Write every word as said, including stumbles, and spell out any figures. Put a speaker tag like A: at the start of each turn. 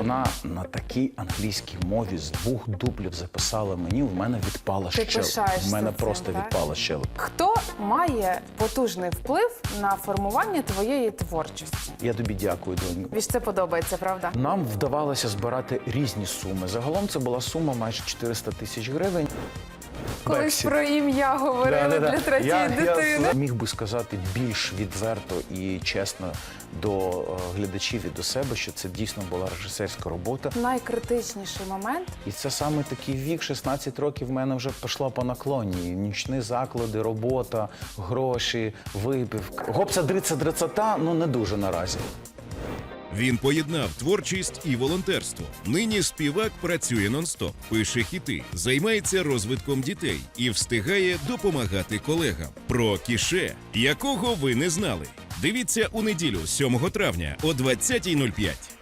A: вона на такій англійській мові з двох дублів записала мені, в мене відпала
B: Ти
A: щелепа.
B: пишаєшся
A: В мене
B: цим,
A: просто
B: так?
A: відпала щелепа.
B: Хто має потужний вплив на формування твоєї творчості?
A: Я тобі дякую, доню.
B: Тобі ж це подобається, правда?
A: Нам вдавалося збирати різні суми. Загалом це була сума майже чотириста тисяч гривень.
B: Колись
A: Бексі.
B: про ім'я говорили
A: Да-да-да.
B: для третьої
A: я,
B: дитини.
A: Я міг би сказати більш відверто і чесно до е, глядачів і до себе, що це дійсно була режисерська робота.
B: Найкритичніший момент.
A: І це саме такий вік, шістнадцять років в мене вже пішло по наклоні. Нічні заклади, робота, гроші, випивка. Гопса, дрица, дрицата, ну не дуже наразі.
C: Він поєднав творчість і волонтерство. Нині співак працює нон-стоп, пише хіти, займається розвитком дітей і встигає допомагати колегам. Про Кіше, якого ви не знали. Дивіться у неділю, сьомого травня о двадцятій нуль п'ять.